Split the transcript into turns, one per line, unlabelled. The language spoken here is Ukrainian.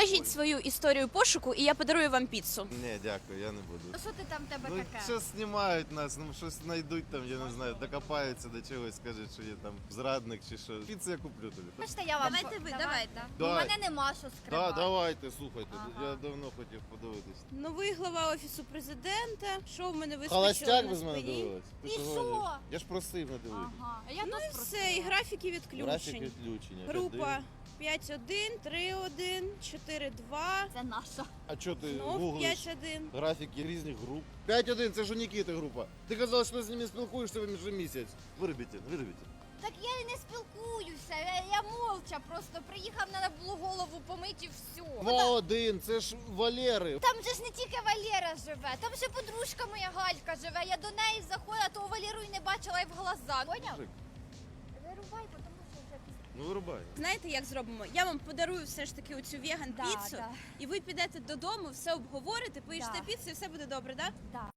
Розкажіть свою історію пошуку, і я подарую вам піцу.
Ні, дякую, я не буду.
Що ти там в тебе
Ну,
таке?
що знімають нас, ну щось знайдуть там, я не знаю, докопаються до чогось, скажуть, що є там зрадник чи що. Піцу я куплю тобі.
Бачите, я вам...
Давайте ви, давайте.
У мене нема що скривати.
Давайте, слухайте,
Ага.
я давно хотів подивитись.
Новий глава Офісу президента. Що в мене вискочило
Холостяк
на
ви з мене
спині?
дивились? Ти
І
що
що?
говориш? Я ж просив не дивитись.
Ага. А я
Ну
теж
і
просила.
все, і графіки
Графік
відключень.
відключення.
Група 5-1, 3-1, 4-2,
Це наша.
А чого ти
знов
гуглиш
5-1.
графіки різних груп? 5-1, це ж у Нікіти група. Ти казала, що ти з ними спілкуєшся вже місяць. Виробіть.
Так я і не спілкуюся, я мовча просто приїхав, треба було голову помити і все.
2-1, це ж Валери.
Там же ж не тільки Валера живе, там ще подружка моя Галька живе. Я до неї заходила, того Валеру і не бачила і в глаза. Поняв?
Мужик,
Вирубай, тому що вже пізно.
ну вирубай.
Знаєте, як зробимо? Я вам подарую все ж таки оцю веган-піцу,
Да.
і ви підете додому, все обговорите, поїжте
Да.
піцу, і все буде добре, так?
Да.